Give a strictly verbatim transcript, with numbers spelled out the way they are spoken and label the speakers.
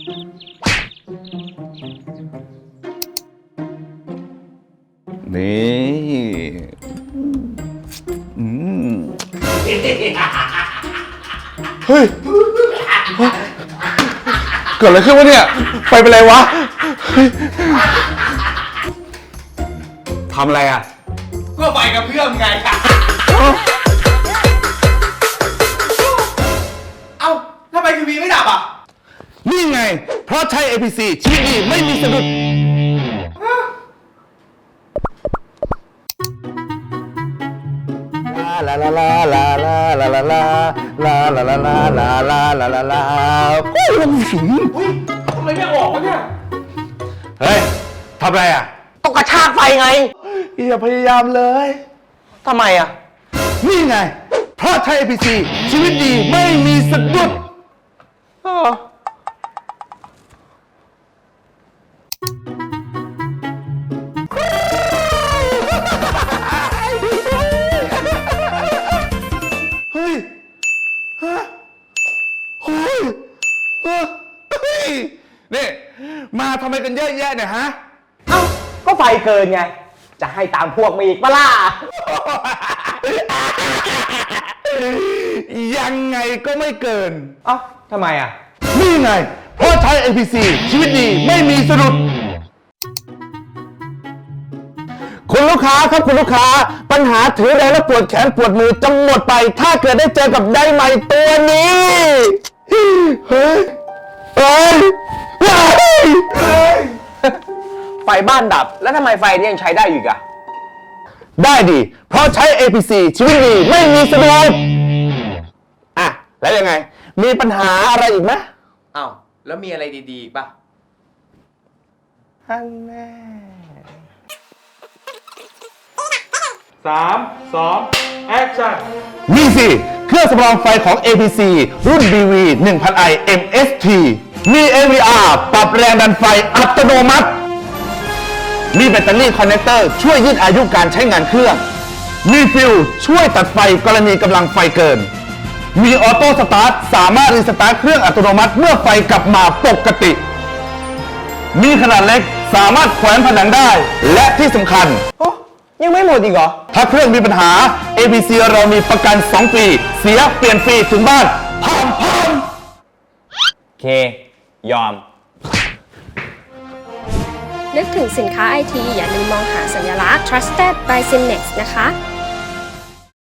Speaker 1: นี่อืมเฮ้ยเกิดอะไรขึ้นวะเนี่ยไปเป็นไรวะเฮ้ยทำอะไรอ่ะ
Speaker 2: ก็ไปกับเพื่อนไงเอ้าทำไมทีวีไม่ดับอ่ะ
Speaker 1: นี่ไงเพราะใช้ เอ พี ซี ชีวิตดีไม่มีสะดุดลาลาลาลาลาลาลาลาลาลาลาลาลาลาลาลาลาโอ้ยมันสิง
Speaker 2: อุ้ยทำไมไม่ออกวะเนี่ย
Speaker 1: เฮ้ยทำอะไรอ่ะ
Speaker 3: ต้องกระชากไฟไง
Speaker 1: อย่าพยายามเลย
Speaker 3: ทำไมอ่ะ
Speaker 1: นี่ไงเพราะใช้ เอ พี ซี ชีวิตดีไม่มีสะดุดเฮ้ยฮะเฮ้ยเฮ้ยนี่มาทำไมกันเยอะแยะเนี่ยฮะ
Speaker 3: เอ้าก็ไฟเกินไงจะให้ตามพวกมาอีกปะล่ะ
Speaker 1: ยังไงก็ไม่เกิน
Speaker 3: เอ้าทำไมอ่ะ
Speaker 1: นี่ไงเพราะใช้ เอ พี ซี ชีวิตดีไม่มีสะดุดคุณลูกค้าครับคุณลูกค้าปัญหาถือแรงและปวดแขนปวดมือจะหมดไปถ้าเกิดได้เจอกับไดไมท์ตัวนี้เฮ้ยเฮ้ยเฮ้ย
Speaker 3: ไฟบ้านดับแล้วทำไมไฟนี้ยังใช้ได้อยู่อ่ะ
Speaker 1: ได้ดิเพราะใช้ เอ พี ซี ชีวิตดีไม่มีสะดุดอ่ะแล้วยังไงมีปัญหาอะไรอีกไหม
Speaker 2: อ้าวแล้วมีอะไรดีๆอีกป่ะ
Speaker 1: ฮันแน่
Speaker 2: สามสองแอคชั่น
Speaker 1: นี่สิเครื่องสำรองไฟของ เอ พี ซี รุ่น บี วี หนึ่งพัน ไอ เอ็ม เอส ที มี เอ วี อาร์ ปรับแรงดันไฟอัตโนมัติมีแบตเตอรี่คอนเนคเตอร์ช่วยยืดอายุการใช้งานเครื่องมีฟิวช่วยตัดไฟกรณีกำลังไฟเกินมีออโต้สตาร์ทสามารถรีสตาร์ทเครื่องอัตโนมัติเมื่อไฟกลับมาปกติมีขนาดเล็กสามารถแขวนผนังได้และที่สำคัญ
Speaker 3: โอ้ยังไม่หมดอีกเหรอ
Speaker 1: ถ้าเครื่องมีปัญหา เอ พี ซี เรามีประกันสองปีเสียเปลี่ยนฟรีถึงบ้านพร้อมพร้อม
Speaker 3: เคยอม
Speaker 4: นึกถึงสินค้าไอทีอย่าลืมมองหาสัญลักษณ์ Trusted by Simnex นะคะ